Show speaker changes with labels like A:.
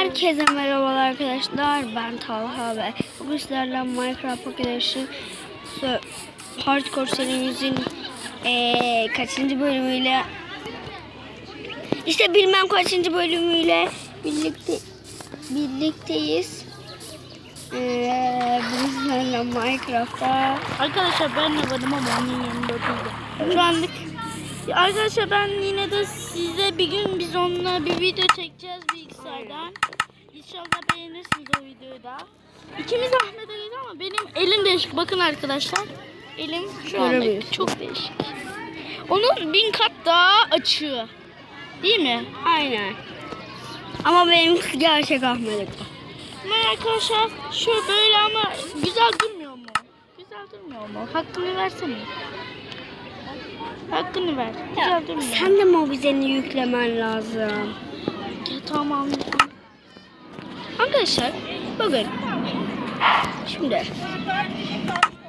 A: Herkese merhabalar arkadaşlar. Ben Talha ve bugün sizlerle Minecraft Pocket Edition Hardcore serimizin kaçıncı bölümüyle bilmem kaçıncı bölümüyle birlikteyiz. Bugün sizlerle Minecraft'ta
B: Arkadaşlar ben de varım ama onun yanında oturuyorum. Şu anlık arkadaşlar ben yine de size bir gün biz onunla bir video çekeceğiz bilgisayardan. İnşallah beğenirsiniz o videoyu da. İkimiz Ahmet Ali'yiz ama benim elim değişik. Bakın arkadaşlar. Elim şu anda çok değişik. Onun 1000 kat daha açığı. Değil mi?
A: aynen. Ama benimki gerçek Ahmet.
B: Ama arkadaşlar şu böyle ama güzel durmuyor mu? Güzel durmuyor mu? Hakkını versene. Hakkını ver. Güzel durmuyor.
A: Sen de mobizeni yüklemen lazım.
B: Ya, tamam.
A: Arkadaşlar bakın. Şimdi